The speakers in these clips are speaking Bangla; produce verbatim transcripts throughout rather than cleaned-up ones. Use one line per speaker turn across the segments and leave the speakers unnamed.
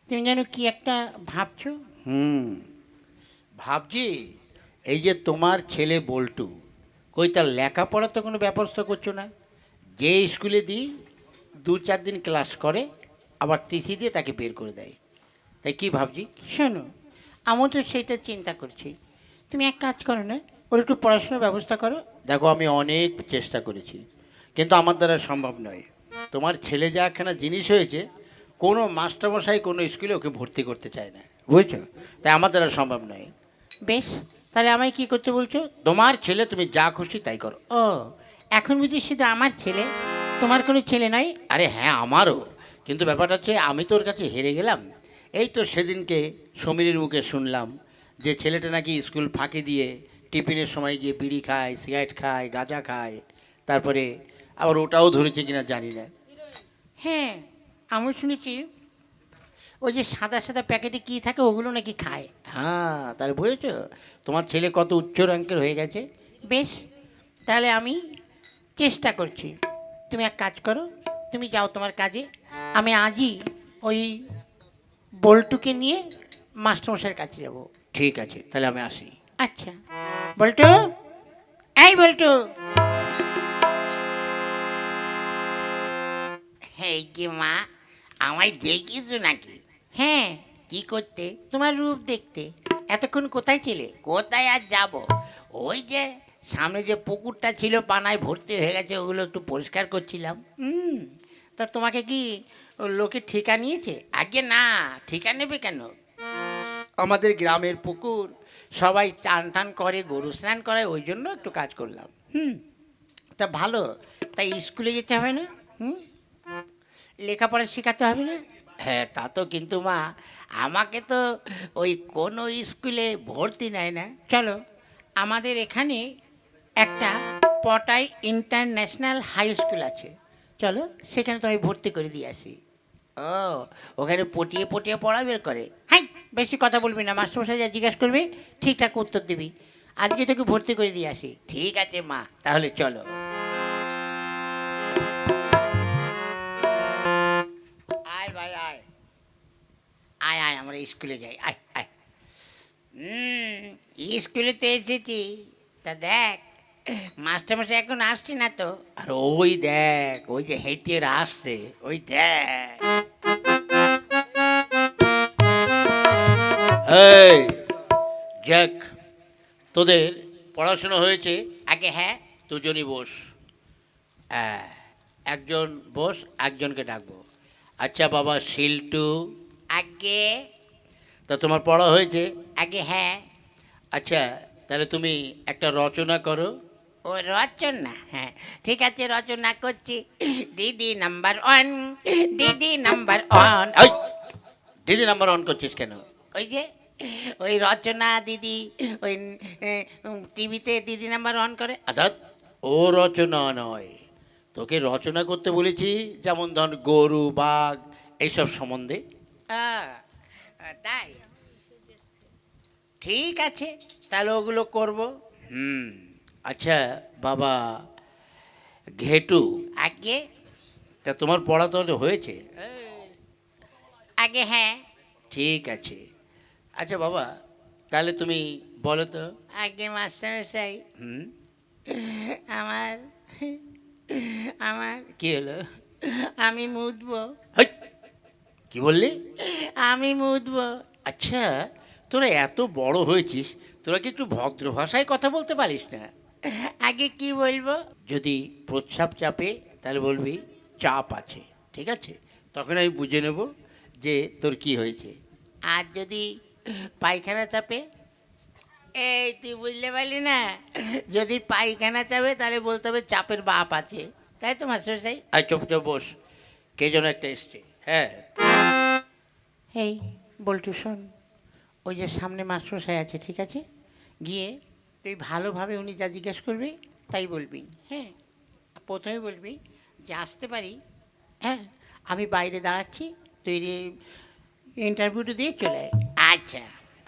তুমি যেন কি একটা ভাবছো।
হুম, ভাবছি এই যে তোমার ছেলে বল্টু, কই তার লেখাপড়া তো কোনো ব্যবস্থা করছো না। যে স্কুলে দিই দু চার দিন ক্লাস করে, আবার টিসি দিয়ে তাকে বের করে দেয়। তাই কি ভাবছি,
শোনো, আমিও তো সেটা চিন্তা করছি। তুমি এক কাজ করো না, ওর একটু পড়াশোনার ব্যবস্থা করো।
দেখো আমি অনেক চেষ্টা করেছি, কিন্তু আমার দ্বারা সম্ভব নয়। তোমার ছেলে যা একখানা জিনিস হয়েছে, কোনো মাস্টারমশাই কোনো স্কুলে ওকে ভর্তি করতে চায় না, বুঝছো? তাই আমার দ্বারা সম্ভব নয়।
বেশ, তাহলে আমায় কি করতে বলছো?
তোমার ছেলে তুমি যা খুশি তাই করো।
ও, এখন বুঝি শুধু আমার ছেলে, তোমার কোনো ছেলে নয়?
আরে হ্যাঁ, আমারও। কিন্তু ব্যাপারটা হচ্ছে আমি তোর কাছে হেরে গেলাম। এই তো সেদিনকে সমীরের মুখে শুনলাম যে ছেলেটা নাকি স্কুল ফাঁকি দিয়ে টিফিনের সময় গিয়ে বিড়ি খায়, সিগারেট খায়, গাঁজা খায়। তারপরে আবার ওটাও ধরেছে কিনা জানি না।
হ্যাঁ, আমিও শুনেছি ওই যে সাদা সাদা প্যাকেটে কী থাকে ওগুলো নাকি খায়।
হ্যাঁ, তাহলে বুঝেছো তোমার ছেলে কত উচ্চ র্যাঙ্কের হয়ে গেছে।
বেশ, তাহলে আমি চেষ্টা করছি। তুমি এক কাজ করো, তুমি যাও তোমার কাজে। আমি আজই ওই বল্টুকে নিয়ে মাস্টারমশাইয়ের কাছে যাব।
ঠিক আছে, তাহলে আমি আসি।
আচ্ছা, বল্টু, এই বল্টু।
এই কি মা, আমায় ডেকেছো নাকি?
হ্যাঁ,
কি করতে?
তোমার রূপ দেখতে। এতক্ষণ কোথায় ছিলে?
কোথায় আর যাব? ওই যে সামনে যে পুকুরটা ছিল পানায় ভর্তি হয়ে গেছে, ওগুলো একটু পরিষ্কার করছিলাম।
হুম, তা তোমাকে কি ও লোকে ঠিকা নিয়েছে?
আগে না, ঠিকা নেবে কেন?
আমাদের গ্রামের পুকুর
সবাই চান টান করে, গরু স্নান করে, ওই জন্য একটু কাজ করলাম।
হুম, তা ভালো। তাই স্কুলে যেতে হবে না? হুম, লেখাপড়া শেখাতে হবে না?
হ্যাঁ, তা তো, কিন্তু মা আমাকে তো ওই কোনো স্কুলে ভর্তি নেয় না।
চলো, আমাদের এখানে একটা পটাই ইন্টারন্যাশনাল হাই স্কুল আছে। চলো, সেখানে তোমায় ভর্তি করে দিয়ে আসি।
ও, ওখানে পটিয়ে পটিয়ে পড়া বের করে?
হাই, বেশি কথা বলবি না। মাস্টারমশাই যা জিজ্ঞাসা করবে ঠিকঠাক উত্তর দিবি। আজকে তোকে ভর্তি করে দিয়ে আসি।
ঠিক আছে মা, তাহলে চলো। আয় ভাই আয়, আয় আয়, আমরা স্কুলে যাই, আয় আয়। হুম, স্কুলে তো এসেছি। তা দেখ, মাস্টারমশাই এখন আসছে না তো।
আর ওই দেখ, ওই যে হেঁটে আসছে,
ওই দেখ।
এই জ্যাক, তোদের পড়াশোনা হয়েছে?
আগে হ্যাঁ।
দুজনই বস। হ্যাঁ, একজন বস, একজনকে ডাকবো। আচ্ছা বাবা শিল্টু,
আগে।
তা তোমার পড়া হয়েছে?
আগে হ্যাঁ।
আচ্ছা, তাহলে তুমি একটা রচনা করো।
ও রচনা, হ্যাঁ ঠিক আছে, রচনা করছি। দিদি নাম্বার ওয়ান, দিদি নাম্বার ওয়ান।
এই, দিদি নাম্বার অন করছিস কেন?
ওই যে ওই রচনা দিদি, ওই টিভিতে দিদি নাম্বার ওয়ান করে।
অর্থাৎ ও রচনা নয়, তোকে রচনা করতে বলেছি, যেমন ধর গরু, বাঘ, এইসব সম্বন্ধে।
আহ, তাই ঠিক আছে,
তাহলে ওগুলো করব। হুম, আচ্ছা বাবা ঘেটু,
আগে।
তা তোমার পড়া তাহলে হয়েছে?
আগে হ্যাঁ।
ঠিক আছে। আচ্ছা বাবা, তাহলে তুমি বলো তো।
আগে মাস্টারমশাই,
হুম,
আমার আমার
কি হলো?
আমি মুতবো,
হেই, কি বললি?
আমি মুতবো।
আচ্ছা, তোরা এত বড় হয়েছিস, তোরা কি একটু ভদ্র ভাষায় কথা বলতে পারিস না?
আগে কি বলবো?
যদি প্রস্রাব চাপে তাহলে বলবি চাপ আছে, ঠিক আছে? তখন আমি বুঝে নেব যে তোর কি হয়েছে।
আর যদি পায়খানা চাপে? এই তুই বুঝতে পারলি না? যদি পায়খানা চাপে তাহলে বলতে হবে চাপের বাপ আছে, তাই তো মাস্টারমশাই?
আর চুপচাপ বস, কে যেন একটা এসছে। হ্যাঁ,
এই বল্টু শোন, ওই যে সামনে মাস্টারমশাই আছে, ঠিক আছে? গিয়ে তুই ভালোভাবে উনি যা জিজ্ঞেস করবে তাই বলবি। হ্যাঁ, প্রথমে বলবি যে আসতে পারি? হ্যাঁ, আমি বাইরে দাঁড়াচ্ছি, তুই ইন্টারভিউটা দিয়ে চলে আয়।
আচ্ছা,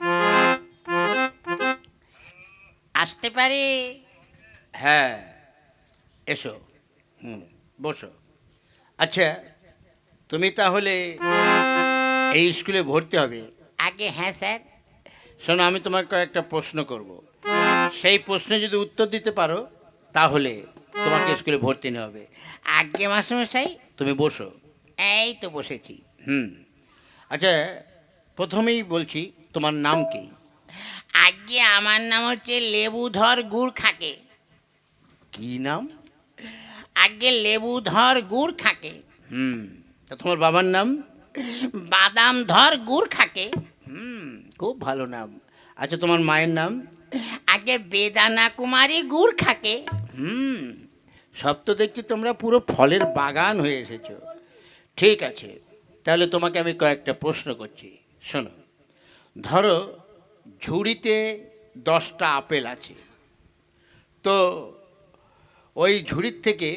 আসতে পারে?
হ্যাঁ, এসো। হুম, বসো। আচ্ছা, তুমি তাহলে এই স্কুলে ভর্তি হবে।
আগে হ্যাঁ স্যার।
শোনো, আমি তোমাকে কয়েকটা প্রশ্ন করব, সেই প্রশ্নে যদি উত্তর দিতে পারো তাহলে তোমাকে স্কুলে ভর্তি নেওয়া হবে।
আগে মাস্টারমশাই।
তুমি বসো।
এই তো বসেছি।
হুম। আচ্ছা, প্রথমেই বলছি, তোমার নাম কি?
আগে আমার নাম হচ্ছে লেবুধর গুড় খাকে।
কি নাম?
আগে লেবুধর গুড় খাকে।
হুম। তা তোমার বাবার নাম?
বাদাম ধর গুড় খাকে।
হুম, খুব ভালো নাম। আচ্ছা, তোমার মায়ের নাম?
আগে বেদানা কুমারী গুড় খাকে।
হুম, সব তো দেখছি তোমরা পুরো ফলের বাগান হয়ে এসেছো। ঠিক আছে, তাহলে তোমাকে আমি কয়েকটা প্রশ্ন করছি, শোনো। ধরো ঝুড়িতে দশটা আপেল আছে, তো ওই ঝুড়ির থেকে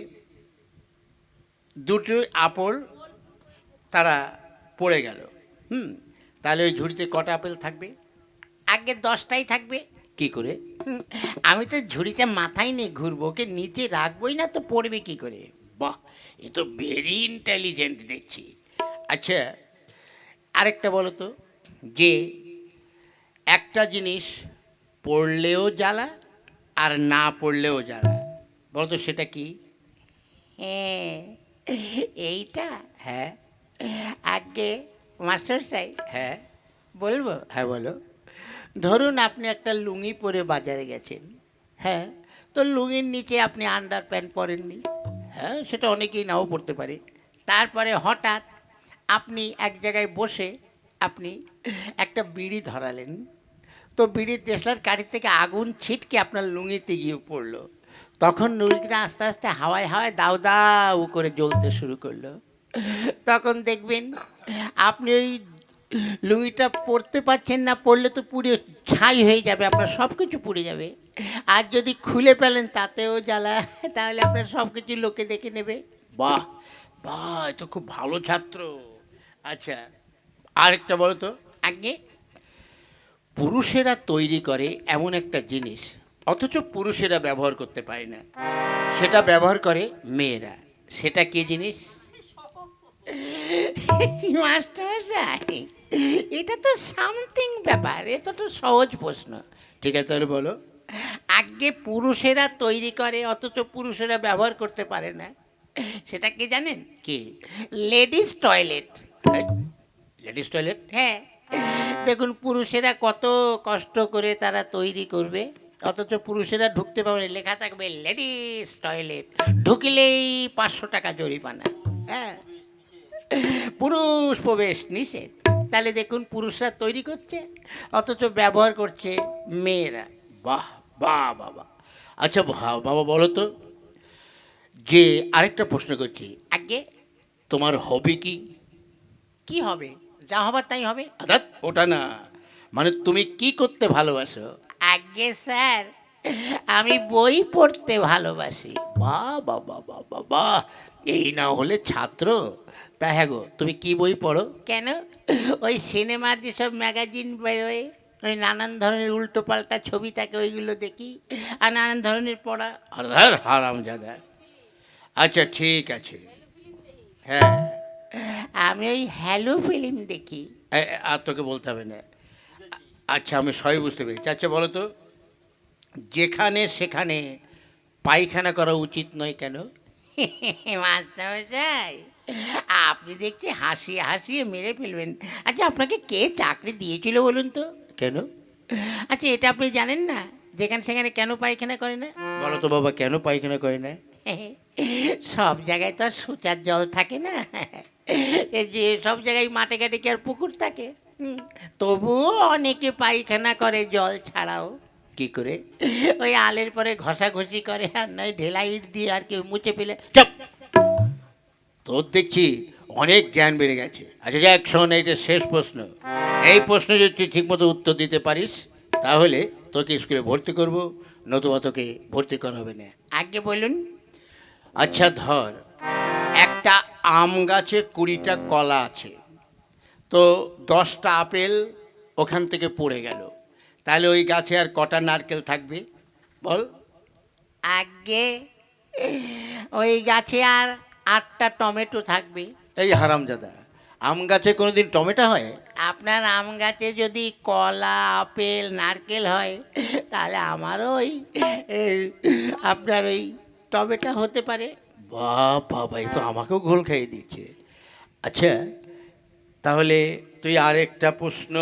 দুটো আপেল তারা পড়ে গেল। হুম, তাহলে ওই ঝুড়িতে কটা আপেল থাকবে?
আগে দশটাই থাকবে।
কি করে?
হুম, আমি তো ঝুড়িটা মাথায় নিয়ে ঘুরবো, ওকে নিচে রাখবোই না, তো পড়বে কি করে?
বাহ, এ তো ভেরি ইন্টেলিজেন্ট দেখছি। আচ্ছা, আরেকটা বলো তো, যে একটা জিনিস পড়লেও জ্বালা আর না পড়লেও জ্বালা, বলো তো সেটা কি?
হ্যাঁ, এইটা
হ্যাঁ।
আগে মাস্টারমশাই
হ্যাঁ।
বলবো।
হ্যাঁ, বলো।
ধরুন আপনি একটা লুঙ্গি পরে বাজারে গেছেন।
হ্যাঁ।
তো লুঙ্গির নিচে আপনি আন্ডার প্যান্ট পরেননি।
হ্যাঁ, সেটা অনেকেই নাও পড়তে পারে।
তারপরে হঠাৎ আপনি এক জায়গায় বসে আপনি একটা বিড়ি ধরালেন। তো বিড়ির দেশলার কাঠি থেকে আগুন ছিটকে আপনার লুঙ্গিতে গিয়ে পড়লো। তখন লুঙ্গিটা আস্তে আস্তে হাওয়ায় হাওয়ায় দাউ দাউ করে জ্বলতে শুরু করলো। তখন দেখবেন আপনি ওই লুঙ্গিটা পরতে পারছেন না, পরলে তো পুড়ে ছাই হয়ে যাবে, আপনার সব কিছু পুড়ে যাবে। আর যদি খুলে ফেলেন তাতেও জ্বালা, তাহলে আপনার সব কিছু লোকে দেখে নেবে।
বাহ বাহ, এ তো খুব ভালো ছাত্র। আচ্ছা, আরেকটা বলো তো।
আগে
পুরুষেরা তৈরি করে এমন একটা জিনিস, অথচ পুরুষেরা ব্যবহার করতে পারে না, সেটা ব্যবহার করে মেয়েরা, সেটা কি জিনিস?
মাস্টারমশাই, এটা তো সামথিং ব্যাপার, এটা তো সহজ প্রশ্ন।
ঠিক আছে, তাহলে বলো।
আগে পুরুষেরা তৈরি করে অথচ পুরুষেরা ব্যবহার করতে পারে না, সেটা কি জানেন?
কি?
Ladies toilet.
Ladies toilet?
হ্যাঁ, দেখুন পুরুষেরা কত কষ্ট করে তারা তৈরি করবে, অথচ পুরুষেরা ঢুকতে পারবে না, লেখা থাকবে লেডিস টয়লেট, ঢুকিলেই পাঁচশো টাকা জরিমানা। হ্যাঁ, পুরুষ প্রবেশ নিষেধ। তাহলে দেখুন পুরুষরা তৈরি করছে অথচ ব্যবহার করছে মেয়েরা।
বাহ বাহ বাবা। আচ্ছা ভা- বাবা, বলো তো, যে আরেকটা প্রশ্ন করছি,
আগে
তোমার হবি কি?
কি হবে? যা হবার তাই হবে।
অর্থাৎ ওটা না, মানে তুমি কি করতে ভালোবাসো?
আগে স্যার, আমি বই পড়তে ভালোবাসি।
বাহ বাহ বাহ বাহ বাহ বাহ, এই না হলে ছাত্র। তা হ্যাঁ গো, তুমি কি বই পড়ো?
কেন? ওই সিনেমার যেসব ম্যাগাজিন বেরোয়, ওই নানান ধরনের উল্টো পাল্টা ছবি থাকে, ওইগুলো দেখি, আর নানান ধরনের পড়া।
আধার হারামজাদা। আচ্ছা ঠিক আছে। হ্যাঁ।
আমি ওই হ্যালো ফিল্ম দেখি।
এ- এ- আর তোকে বলতে হবে না। আচ্ছা, আমি সবই বুঝতে পেরেছি। আচ্ছা বলো তো, যেখানে সেখানে পায়খানা করা উচিত নয় কেন?
মাস্টারমশাই, আপনি দেখছি হাসিয়ে হাসিয়ে মেরে ফেলবেন। আচ্ছা, আপনাকে কে চাকরি দিয়েছিল বলুন তো?
কেন?
আচ্ছা, এটা আপনি জানেন না যেখানে সেখানে কেন পায়খানা করে না?
বলো তো বাবা, কেন পায়খানা করে না?
সব জায়গায় তো আর সোচার জল থাকে না, এই যে সব জায়গায় মাঠে ঘাটে কি আর পুকুর থাকে? হুম, তবুও অনেকে পায়খানা করে জল ছাড়াও।
কি করে?
ওই আলের পরে ঘষাঘষি করে, আর নয় ঢেলা ইট দিয়ে আর কেউ মুছে ফেলে।
চুপ! তোর দেখছি অনেক জ্ঞান বেড়ে গেছে। আচ্ছা যাক, শোন, এইটা শেষ প্রশ্ন। এই প্রশ্ন যদি তুই ঠিকমতো উত্তর দিতে পারিস তাহলে তোকে স্কুলে ভর্তি করব, নতুবা তোকে ভর্তি করা হবে না।
আগে বলুন।
আচ্ছা ধর, একটা আম গাছে কুড়িটা কলা আছে, তো দশটা আপেল ওখান থেকে পড়ে গেল, তাহলে ওই গাছে আর কটা নারকেল থাকবে বল?
আগে ওই গাছে আর আটটা টমেটো থাকবে।
এই হারামজাদা, আম গাছে কোনোদিন টমেটো হয়?
আপনার আম গাছে যদি কলা আপেল নারকেল হয় তাহলে আমারও ওই এ, আপনার ওই টমেটো হতে পারে।
বাহ বাবা, এই তো আমাকেও ঘোল খাইয়ে দিচ্ছে। আচ্ছা, তাহলে তুই আরেকটা প্রশ্ন।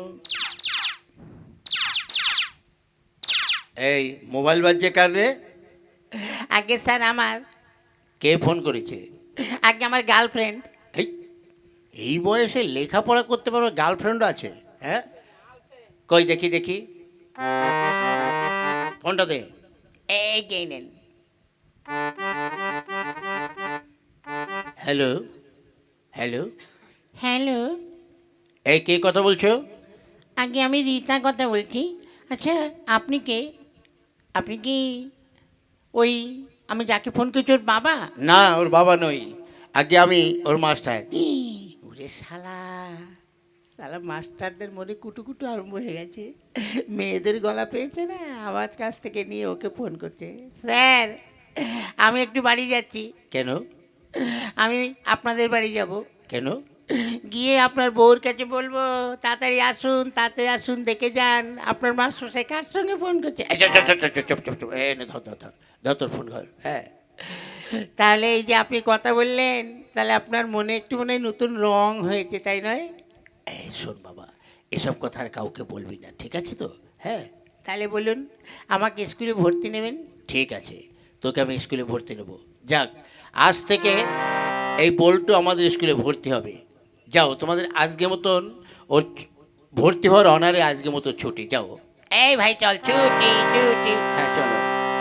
এই মোবাইল বাজছে কার রে?
আগে স্যার আমার,
কে ফোন করেছে?
আগে আমার গার্লফ্রেন্ড।
এই এই বয়সে লেখাপড়া করতে পারবে, গার্লফ্রেন্ড আছে? হ্যাঁ, কই দেখি দেখি, ফোনটা দে।
এই কে নেন।
হ্যালো হ্যালো,
হ্যালো,
এই কে কথা বলছো?
আগে আমি রীতা কথা বলছি। আচ্ছা আপনি কে? আপনি কি ওই আমি যাকে ফোন করছি ওর বাবা?
না, ওর বাবা নই, আগে আমি ওর মাস্টার।
ওরে শালা, শালা মাস্টারদের মনে কুটুকুটু আরম্ভ হয়ে গেছে। মেয়েদের গলা পেয়েছে না, আমার কাছ থেকে নিয়ে ওকে ফোন করছে। স্যার আমি একটু বাড়ি যাচ্ছি।
কেন?
আমি আপনাদের বাড়ি যাব,
কেন?
গিয়ে আপনার বউর কাছে বলবো তাড়াতাড়ি আসুন তাড়াতাড়ি আসুন দেখে যান আপনার মাস্টারমশাই কার সঙ্গে ফোন করছে।
এই চুপ, চুপ, চুপ, চুপ, চুপ, চুপ, চুপ, এই নে, ধর ধর ধর ধর তোর ফোন ঘর। হ্যাঁ,
তাহলে এই যে আপনি কথা বললেন, তাহলে আপনার মনে একটু মনে হয় নতুন রং হয়েছে, তাই নয়?
এই শোন বাবা, এসব কথা আর কাউকে বলবি না, ঠিক আছে তো? হ্যাঁ,
তাহলে বলুন আমাকে স্কুলে ভর্তি নেবেন?
ঠিক আছে, তোকে আমি স্কুলে ভর্তি নেবো। যাক, আজ থেকে এই বল্টু আমাদের স্কুলে ভর্তি হবে। যাও, তোমাদের আজকে মতন ওর ছ- ভর্তি হওয়ার অনারে আজকে মতো ছুটি। যাও।
এই ভাই চল ছুটি ছুটি।
হ্যাঁ চলো,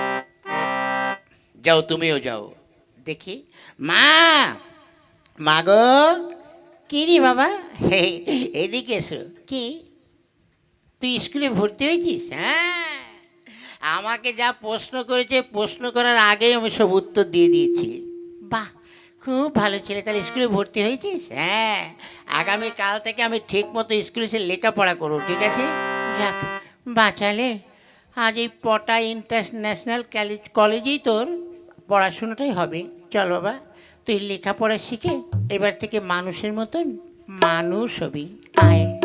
যাও, তুমিও যাও।
দেখি মা, মা গো। কি রে বাবা? হে, এদিকে এসো। কি তুই স্কুলে ভর্তি হয়েছিস? হ্যাঁ, আমাকে যা প্রশ্ন করেছে প্রশ্ন করার আগেই আমি সব উত্তর দিয়ে দিয়েছি। বাহ, খুব ভালো ছেলে, তাহলে স্কুলে ভর্তি হয়েছিস? হ্যাঁ, আগামীকাল থেকে আমি ঠিক মতো স্কুলে এসে লেখাপড়া করবো, ঠিক আছে? যাক বাঁচালে, আজ এই পটা ইন্টারন্যাশনাল কলেজেই তোর পড়াশুনোটাই হবে। চল বাবা, তুই লেখাপড়া শিখে এবার থেকে মানুষের মতন মানুষ হবি। আয়।